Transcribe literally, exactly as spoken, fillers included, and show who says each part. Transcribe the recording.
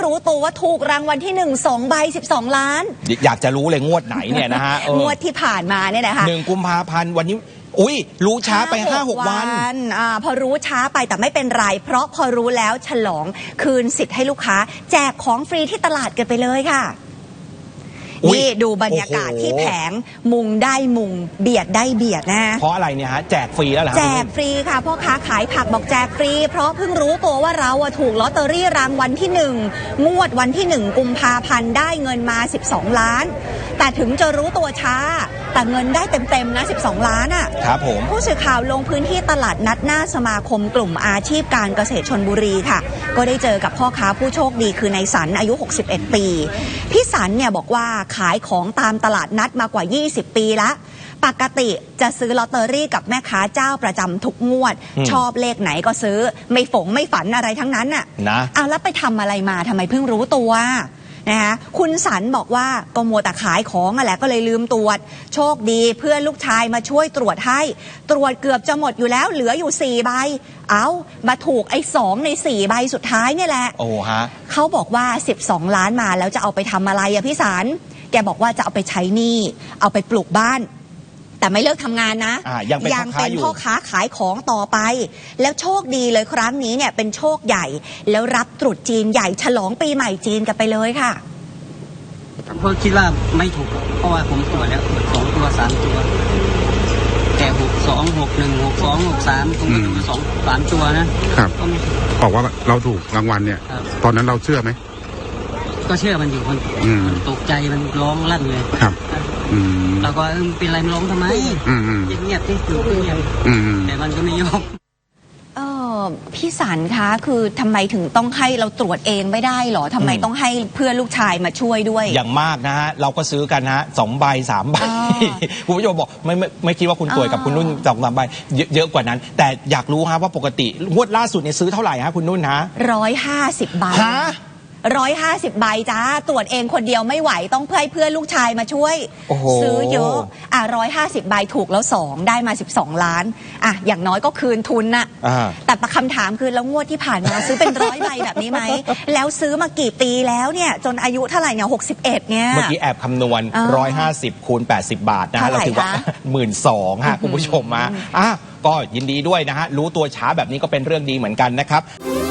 Speaker 1: รู้ตัวว่าถูกรางวัลที่หนึ่งสองใบสิบสองล้าน
Speaker 2: อยากจะรู้เลยงวดไหนเนี่ยนะฮะ
Speaker 1: งวดที่ผ่านมาเนี่ยนะคะ
Speaker 2: หนึ่งกุมภาพันธ์วันนี้อุ้ยรู้ช้าไปห้าหกวัน
Speaker 1: อ่าพอรู้ช้าไปแต่ไม่เป็นไรเพราะพอรู้แล้วฉลองคืนสิทธิ์ให้ลูกค้าแจกของฟรีที่ตลาดกันไปเลยค่ะนี่ดูบรรยากาศที่แผงมุงได้มุงเบียดได้เบียดนะ
Speaker 2: เพราะอะไรเนี่ยฮะแจกฟรีแล้วเหรอ
Speaker 1: แจกฟรีค่ะพ่อค้าขายผักบอกแจกฟรีเพราะเพิ่งรู้ตัวว่าเราถูกลอตเตอรี่รางวัลที่หนึ่งงวดวันที่หนึ่งกุมภาพันธ์ได้เงินมาสิบสองล้านแต่ถึงจะรู้ตัวช้าแต่เงินได้เต็มๆนะสิบสองล้านอ่ะ
Speaker 2: ครับผม
Speaker 1: ผู้สื่อข่าวลงพื้นที่ตลาดนัดหน้าสมาคมกลุ่มอาชีพการเกษตรชลบุรีค่ะก็ได้เจอกับพ่อค้าผู้โชคดีคือนายสันอายุหกสิบเอ็ดปีพี่สันเนี่ยบอกว่าขายของตามตลาดนัดมากว่ายี่สิบปีละปกติจะซื้อลอตเตอรี่กับแม่ค้าเจ้าประจำทุกงวดชอบเลขไหนก็ซื้อไม่ฝงไม่ฝันอะไรทั้งนั้นน่ะ
Speaker 2: นะ
Speaker 1: เอาแล้วไปทำอะไรมาทำไมเพิ่งรู้ตัวนะคะคุณสันบอกว่าก็มัวแต่ขายของอะไรก็เลยลืมตรวจโชคดีเพื่อนลูกชายมาช่วยตรวจให้ตรวจเกือบจะหมดอยู่แล้วเหลืออยู่สี่ใบเอามาถูกไอ้สองในสี่ใบสุดท้ายเนี่ยแหละ
Speaker 2: โอ้ฮะ
Speaker 1: เขาบอกว่าสิบสองล้านมาแล้วจะเอาไปทำอะไรอะพี่สันแกบอกว่าจะเอาไปใช้หนี้เอาไปปลูกบ้านแต่ไม่เลิกทำงานนะ
Speaker 2: ยังเป็น
Speaker 1: พ่อค้าขายของต่อไปแล้วโชคดีเลยครั้งนี้เนี่ยเป็นโชคใหญ่แล้วรับตรุษจีนใหญ่ฉลองปีใหม่จีนกันไปเลยค่ะ
Speaker 3: เพราะคิดว่าไม่ถูกเพราะว่าผมตรวจแล้วตรวจสองตัวสามตัวแต่หกสองหกหนึ่งหกสองหกสามผมก็ถูกสองสามตัวนะครับ
Speaker 4: บอกว่าเราถูกรางวัลเนี่ยตอนนั้นเราเชื่อไหม
Speaker 3: ก็เชื่อมันอยู่คนตกใจมันร้องลั่นเลย
Speaker 4: ครับ
Speaker 3: เราก็เป็นไรมันร้องทำไมเงียบที่อยู่เงียบแต่มันก็ไม่ยอม
Speaker 1: เออพี่สันคะคือทำไมถึงต้องให้เราตรวจเองไม่ได้หรอทำไมต้องให้เพื่อนลูกชายมาช่วยด้วย
Speaker 2: อย่างมากนะฮะเราก็ซื้อกันนะสองใบสามใบคุณผู้ชมบอกไม่ไม่ไม่คิดว่าคุณป่วยกับคุณนุ่นสองสามใบเยอะกว่านั้นแต่อยากรู้ฮะว่าปกติงวดล่าสุดเนี่ยซื้อเท่าไหร่ฮะคุณนุ่นฮะ
Speaker 1: ร้อยห้าสิบใบร้อยห้าสิบใบจ้าตรวจเองคนเดียวไม่ไหวต้องเพื่อเพื่อนลูกชายมาช่วยซื้อเยอะอ่ะร้อยห้าสิบใบถูกแล้วสองได้มาสิบสองล้านอ่ะอย่างน้อยก็คืนทุนน่ะแต่คำถามคือแล้วงวดที่ผ่านมาซื้อเป็นร้อยใบแบบนี้ไหมแล้วซื้อมากี่ปีแล้วเนี่ยจนอายุเท่าไหร่เนี่ยหกสิบเอ็ดเนี่ย
Speaker 2: เมื่อกี้แอบคำนวณร้อยห้าสิบคูณแปดสิบบาทนะเราถือว่าหมื่นสองฮะคุณผู้ชมมาอ่ะก็ยินดีด้วยนะฮะรู้ตัวช้าแบบนี้ก็เป็นเรื่องดีเหมือนกันนะครับ